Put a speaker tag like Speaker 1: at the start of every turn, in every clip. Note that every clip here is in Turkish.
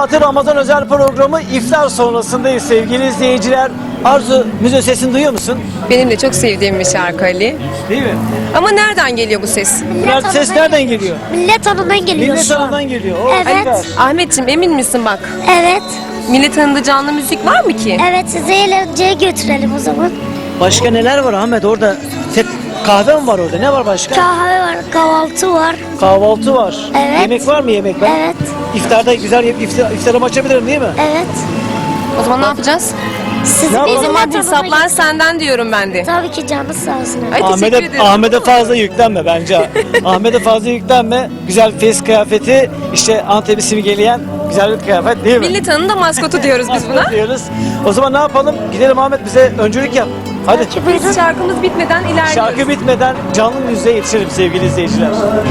Speaker 1: Saati Ramazan özel programı iftar sonrasındayız sevgili izleyiciler. Arzu, müziğin sesini duyuyor musun?
Speaker 2: Benim de çok sevdiğim bir şarkı Ali.
Speaker 1: Değil mi?
Speaker 2: Ama nereden geliyor bu ses?
Speaker 1: Ses nereden geliyor?
Speaker 3: Millet Hanı'ndan geliyor
Speaker 1: Millet
Speaker 3: şu an.
Speaker 1: Hanı'ndan geliyor. O,
Speaker 3: Evet.
Speaker 1: süper.
Speaker 2: Ahmetciğim emin misin bak?
Speaker 3: Evet.
Speaker 2: Millet Hanı'nda canlı müzik var mı ki?
Speaker 3: Evet, sizi eğlenceye götürelim o zaman.
Speaker 1: Başka neler var Ahmet orada? Kahve mi var orada? Ne var başka?
Speaker 3: Kahve var, kahvaltı var.
Speaker 1: Kahvaltı var.
Speaker 3: Evet.
Speaker 1: Yemek var mı yemek? Ben
Speaker 3: Evet.
Speaker 1: İftarda güzel iftarımı açabilirim değil mi?
Speaker 3: Evet.
Speaker 2: O zaman ne yapacağız?
Speaker 3: Sizi
Speaker 1: Ne
Speaker 3: bir
Speaker 1: yapalım?
Speaker 2: O zaman
Speaker 3: Millet Hanı'na
Speaker 2: hesaplar senden diyorum ben de.
Speaker 3: Tabii ki canı sağ olsun.
Speaker 2: Ay, teşekkür ederim.
Speaker 1: Ahmet'e fazla yüklenme bence. Ahmet'e fazla yüklenme. Güzel fes kıyafeti, işte Antep'i simgeleyen güzel bir kıyafet değil mi?
Speaker 2: Millet Hanı'nın da maskotu diyoruz biz buna.
Speaker 1: Diyoruz. O zaman ne yapalım? Gidelim Ahmet, bize öncülük yap. Hadi.
Speaker 2: Biz şarkımız bitmeden ilerliyoruz.
Speaker 1: Şarkı bitmeden canlı müziğe yetişelim sevgili izleyiciler.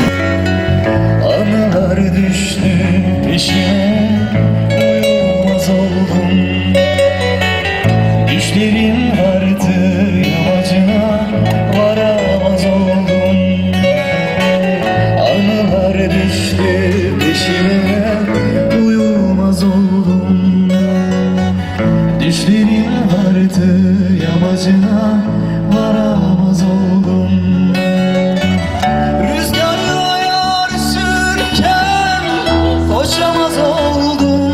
Speaker 4: Anılar düştü peşime, uyumaz oldum. Düşlerim vardı yamacına, varamaz oldum. Anılar düştü peşime, uyumaz oldum. Düşlerim vardı yamacına, varamaz oldum. Rüzgarla yarışırken koşamaz oldum.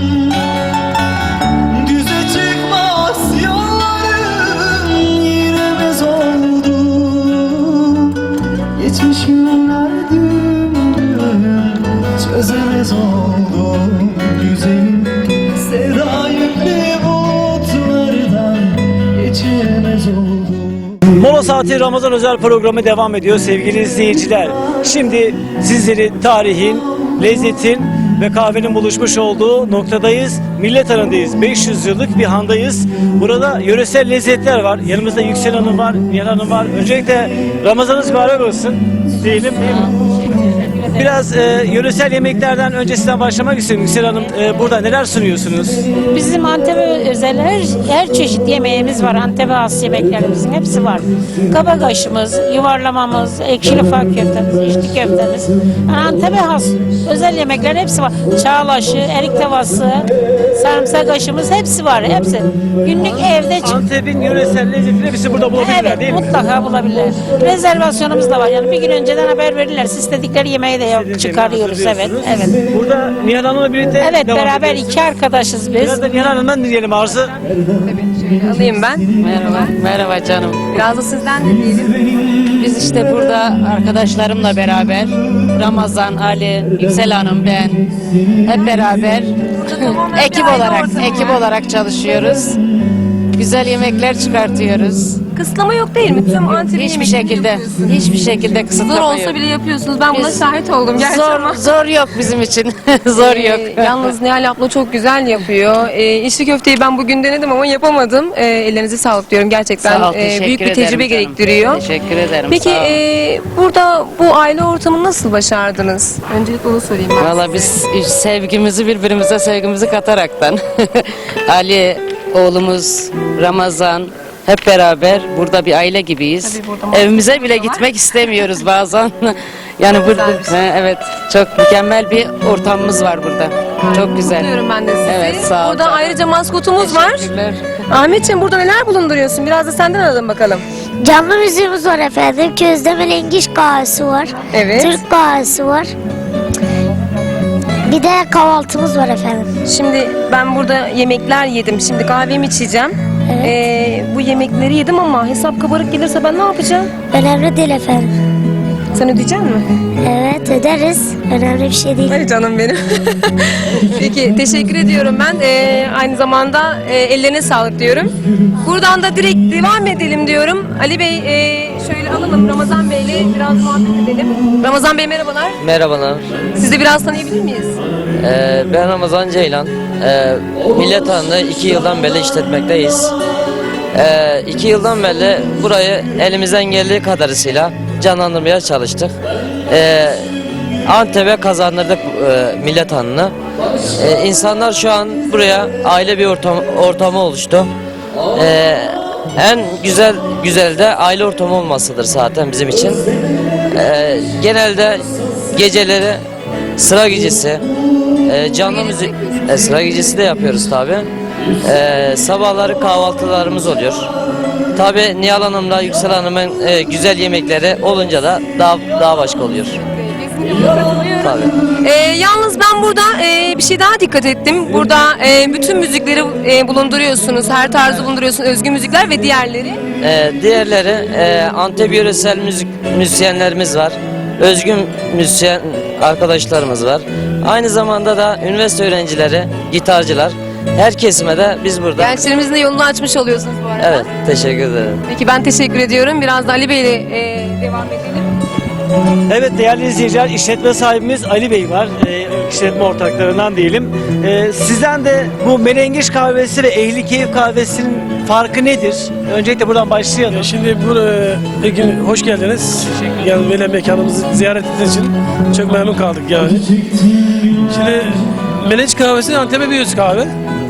Speaker 4: Düze çıkmaz yollarım, giremez oldum. Geçmiş günler dümdüm, çözemez oldum. Güzelim sevda yüklü bulutlardan geçemez oldum.
Speaker 1: Mola Saati Ramazan özel programı devam ediyor sevgili izleyiciler. Şimdi sizleri tarihin, lezzetin ve kahvenin buluşmuş olduğu noktadayız. Millet Hanı'ndayız. 500 yıllık bir handayız. Burada yöresel lezzetler var. Yanımızda Yüksel Hanım var, Nihal Hanım var. Öncelikle Ramazanınız mübarek olsun diyelim, değil mi? Biraz yöresel yemeklerden öncesinden başlamak istiyorum. Yüksel Hanım, burada neler sunuyorsunuz?
Speaker 5: Bizim Antep'e özel her çeşit yemeğimiz var. Antep'e has yemeklerimizin hepsi var. Kabakaşımız, yuvarlamamız, ekşili fak köftemiz, içli köftemiz. Yani Antep'e has özel yemekler hepsi var. Çağlaşı, erik tavası, sarımsak aşımız hepsi var. Hepsi. Günlük evde
Speaker 1: Antep'in yöresel lezzetini hepsi burada bulabilirler,
Speaker 5: evet,
Speaker 1: değil mi?
Speaker 5: mutlaka bulabilirler. Rezervasyonumuz da var. Yani bir gün önceden haber verirler. Siz istedikleri yemeği de çıkarıyoruz. Evet, evet.
Speaker 1: Burada Nihal Hanım'la birlikte
Speaker 5: Evet,
Speaker 1: devam
Speaker 5: beraber
Speaker 1: ediyoruz.
Speaker 5: iki arkadaşız biz.
Speaker 1: Biraz da Nihal Hanım'dan dinleyelim Arzu.
Speaker 2: Alayım ben.
Speaker 6: Merhaba, merhaba canım.
Speaker 2: Biraz da sizden dinleyelim.
Speaker 6: Biz işte burada arkadaşlarımla beraber, Ramazan, Ali, Yüksel Hanım, ben hep beraber ekip olarak çalışıyoruz. Güzel yemekler çıkartıyoruz.
Speaker 2: Kısıtlama yok değil mi? Tüm Antep'in
Speaker 6: Hiçbir
Speaker 2: yemeklerini
Speaker 6: şekilde,
Speaker 2: yapıyorsunuz.
Speaker 6: hiçbir şekilde
Speaker 2: Zor
Speaker 6: kısıtlama
Speaker 2: olsa
Speaker 6: yok.
Speaker 2: bile yapıyorsunuz. Ben buna
Speaker 6: Biz-
Speaker 2: şahit oldum gerçi ama.
Speaker 6: Zor yok bizim için. Zor yok.
Speaker 2: Yalnız Nihal abla çok güzel yapıyor. İçli köfteyi ben bugün denedim ama yapamadım. Ellerinize sağlık diyorum. Gerçekten
Speaker 6: Sağ ol, teşekkür
Speaker 2: büyük bir
Speaker 6: ederim
Speaker 2: tecrübe
Speaker 6: canım.
Speaker 2: gerektiriyor.
Speaker 6: Teşekkür ederim.
Speaker 2: Peki
Speaker 6: sağ ol.
Speaker 2: burada bu aile ortamını nasıl başardınız? Öncelikle onu sorayım ben
Speaker 6: Valla
Speaker 2: size.
Speaker 6: biz sevgimizi birbirimize sevgimizi kataraktan Ali, oğlumuz, Ramazan hep beraber burada bir aile gibiyiz.
Speaker 2: Tabii burada
Speaker 6: Evimize
Speaker 2: Mahmut
Speaker 6: bile
Speaker 2: da var.
Speaker 6: gitmek istemiyoruz bazen. Yani burada evet çok mükemmel bir ortamımız var burada. Çok güzel.
Speaker 2: Kutluyorum ben de sizi.
Speaker 6: Evet, sağ ol
Speaker 2: Burada
Speaker 6: canım.
Speaker 2: ayrıca maskotumuz var.
Speaker 6: Teşekkürler.
Speaker 2: Ahmetciğim burada neler bulunduruyorsun? Biraz da senden alalım bakalım.
Speaker 3: Canlı müziğimiz var efendim. Közde Lengiş kahvesi var.
Speaker 2: Evet.
Speaker 3: Türk kahvesi var. Bir de kahvaltımız var efendim.
Speaker 2: Şimdi ben burada yemekler yedim. Şimdi kahvemi içeceğim.
Speaker 3: Evet.
Speaker 2: Bu yemekleri yedim ama hesap kabarık gelirse ben ne yapacağım?
Speaker 3: Önemli değil efendim.
Speaker 2: Sen ödeyecek misin?
Speaker 3: Evet, öderiz. Önemli bir şey değil.
Speaker 2: Ay canım benim. Peki teşekkür ediyorum ben. Aynı zamanda ellerine sağlık diyorum. Buradan da direkt devam edelim diyorum. Ali Bey şöyle alalım Ramazan Bey'le biraz muhabbet edelim. Ramazan Bey merhabalar.
Speaker 7: Merhabalar.
Speaker 2: Sizi biraz tanıyabilir miyiz?
Speaker 7: Ben Ramazan Ceylan. Millet Hanı'nı 2 yıldan beri işletmekteyiz. 2 yıldan beri burayı elimizden geldiği kadarıyla canlandırmaya çalıştık. Antep'e kazandırdık Millet Hanı'nı. İnsanlar şu an buraya aile bir ortamı oluştu. En güzel de aile ortamı olmasıdır zaten bizim için. Genelde geceleri sıra gecesi Canlı müzik sıra gecesi de yapıyoruz tabi. Sabahları kahvaltılarımız oluyor. Tabi Nihal Hanım'la Yüksel Hanım'ın güzel yemekleri olunca da daha başka oluyor. Tabi.
Speaker 2: Yalnız ben burada bir şey daha dikkat ettim. Burada bütün müzikleri bulunduruyorsunuz. Her tarzı bulunduruyorsunuz. Özgün müzikler ve diğerleri.
Speaker 7: Diğerleri Antep yöresel müzisyenlerimiz var. Özgün müzisyen arkadaşlarımız var. Aynı zamanda da üniversite öğrencileri, gitarcılar. Her kesime de biz burada.
Speaker 2: Gençlerimizin de yolunu açmış oluyorsunuz bu arada.
Speaker 7: Evet, teşekkür ederim.
Speaker 2: Peki ben teşekkür ediyorum. Biraz da Ali Bey ile devam edelim.
Speaker 1: Evet değerli izleyiciler, işletme sahibimiz Ali Bey var. İşletme ortaklarından diyelim. Sizden de bu Menengiş kahvesi ve Ehli Keyif kahvesinin farkı nedir? Öncelikle buradan başlayalım.
Speaker 8: Şimdi bugün hoş geldiniz. Yani böyle mekanımızı ziyaret ettiğiniz için çok memnun kaldık yani. Şimdi Menengiş kahvesi Antep'e bir öz kahve.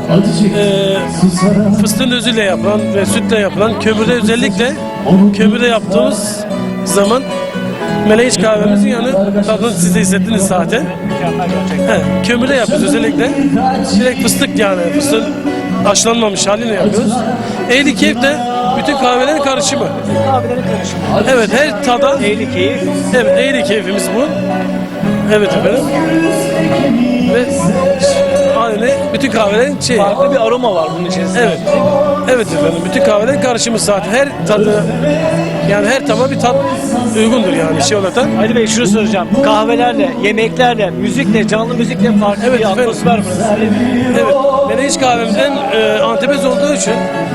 Speaker 8: Fıstığın özüyle yapılan ve sütle yapılan, kömürde özellikle kömürde yaptığımız zaman Menengiş kahvemizin yani tadını siz de hissettiniz zaten. Kömürde yapıyoruz özellikle. Direkt fıstık yani fıstığın haşlanmamış halini yapıyoruz. Ehli Keyif de bütün kahvelerin karışımı.
Speaker 1: Kahvelerin karışımı.
Speaker 8: Evet her tada
Speaker 1: Ehli Keyif.
Speaker 8: evet Ehli Keyfimiz bu. Evet efendim. Ve aynı bütün kahvelerin şeyi.
Speaker 1: Farklı bir aroma var bunun içerisinde.
Speaker 8: Evet. Evet efendim. Bütün kahvelerin karışımı zaten. Her tadı yani her tama bir tat uygundur yani şey olarak.
Speaker 1: Ali Bey şunu soracağım. Kahvelerle, yemeklerle, müzikle, canlı müzikle farklı
Speaker 8: Evet
Speaker 1: bir
Speaker 8: efendim.
Speaker 1: atmosfer burası.
Speaker 8: Evet. Menengiş kahvemizden Antep'ez olduğu için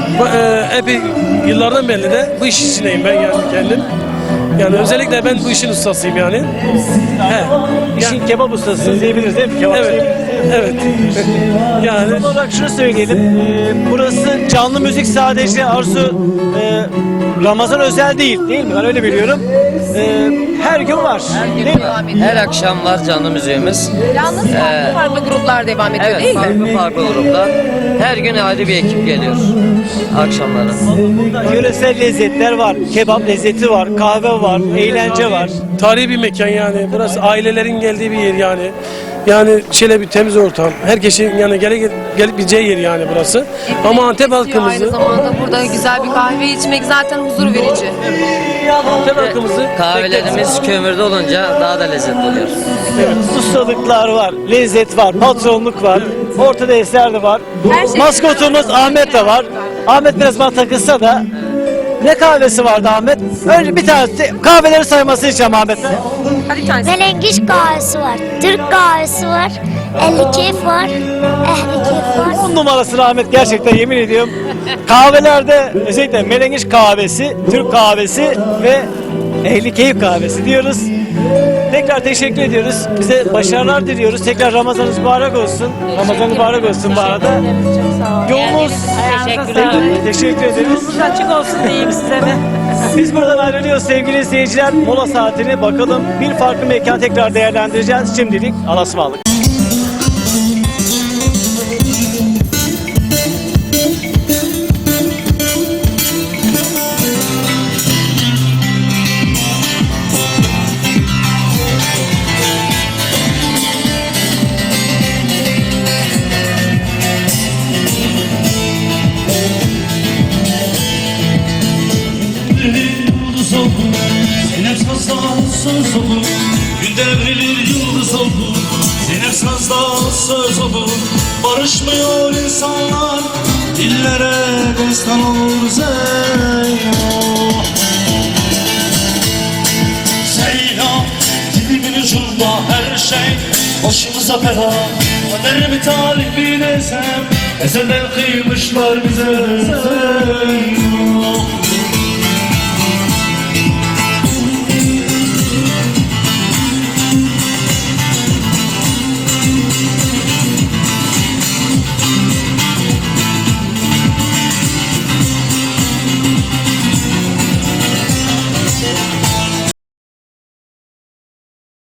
Speaker 8: epey yıllardan beri de bu iş içindeyim ben yani kendim. Yani özellikle ben bu işin ustasıyım yani. He.
Speaker 1: İşin kebap ustası diyebiliriz değil mi? Kebap
Speaker 8: Evet. Evet. Yani
Speaker 1: Son olarak şunu söyleyelim. Burası canlı müzik sadece Arzu Ramazan özel değil mi? Ben öyle biliyorum. Her gün var. Değil mi?
Speaker 7: Her akşam var canlı müziğimiz.
Speaker 2: Yalnız farklı gruplar devam ediyor değil
Speaker 7: Evet,
Speaker 2: mi?
Speaker 7: farklı gruplar. Her gün ayrı bir ekip geliyor akşamları.
Speaker 1: Burada yöresel lezzetler var. Kebap lezzeti var. Kahve var. Eğlence var.
Speaker 8: tarihi bir mekan yani. Burası ailelerin geldiği bir yer yani. Yani şöyle bir temiz ortam. Herkesin yani gelip gideceği yer yani burası. Ama Antep
Speaker 2: Aynı
Speaker 8: halkımızı,
Speaker 2: zamanda burada güzel bir kahve içmek zaten huzur verici.
Speaker 8: Antep halkımızı
Speaker 7: Kahvelerimiz kömürde olunca daha da lezzetli oluyor.
Speaker 1: Ustalıklar var. Lezzet var. Patronluk var. Ortada eser de var.
Speaker 2: Her şey-
Speaker 1: Maskotumuz Ahmet de var. Ahmet biraz bana takılsa da ne kahvesi vardı Ahmet? Önce bir tanesi kahveleri sayması için Ahmet'le.
Speaker 2: Hadi bir tanesi.
Speaker 3: Menengiş kahvesi var. Türk kahvesi var. Ehli Keyif var. Ehli Keyif var.
Speaker 1: 10 numarası Ahmet gerçekten yemin ediyorum. Kahvelerde özellikle Menengiş kahvesi, Türk kahvesi ve Ehli Keyif kahvesi diyoruz. Tekrar teşekkür ediyoruz. Bize başarılar diliyoruz. Tekrar Ramazanınız mübarek olsun. Ramazan mübarek olsun bu arada. Yolunuz teşekkür ederiz.
Speaker 5: Yolunuz açık olsun diyeyim size de.
Speaker 1: Biz buradan ayrılıyoruz sevgili izleyiciler. Mola saatini bakalım bir farklı mekan tekrar değerlendireceğiz. Şimdilik Allah'a ısmarladık.
Speaker 4: Yıldız oldu, Zeynep sazda söz oldu. Gün devrilir yıldız oldu, Zeynep sazda söz oldu. Barışmıyor insanlar, dillere destan olur Zeynep. Zeynep, dilimin ucunda her şey, başımıza bela. Kader mi talih bir desem, ezelden kıymışlar bize Zeynep.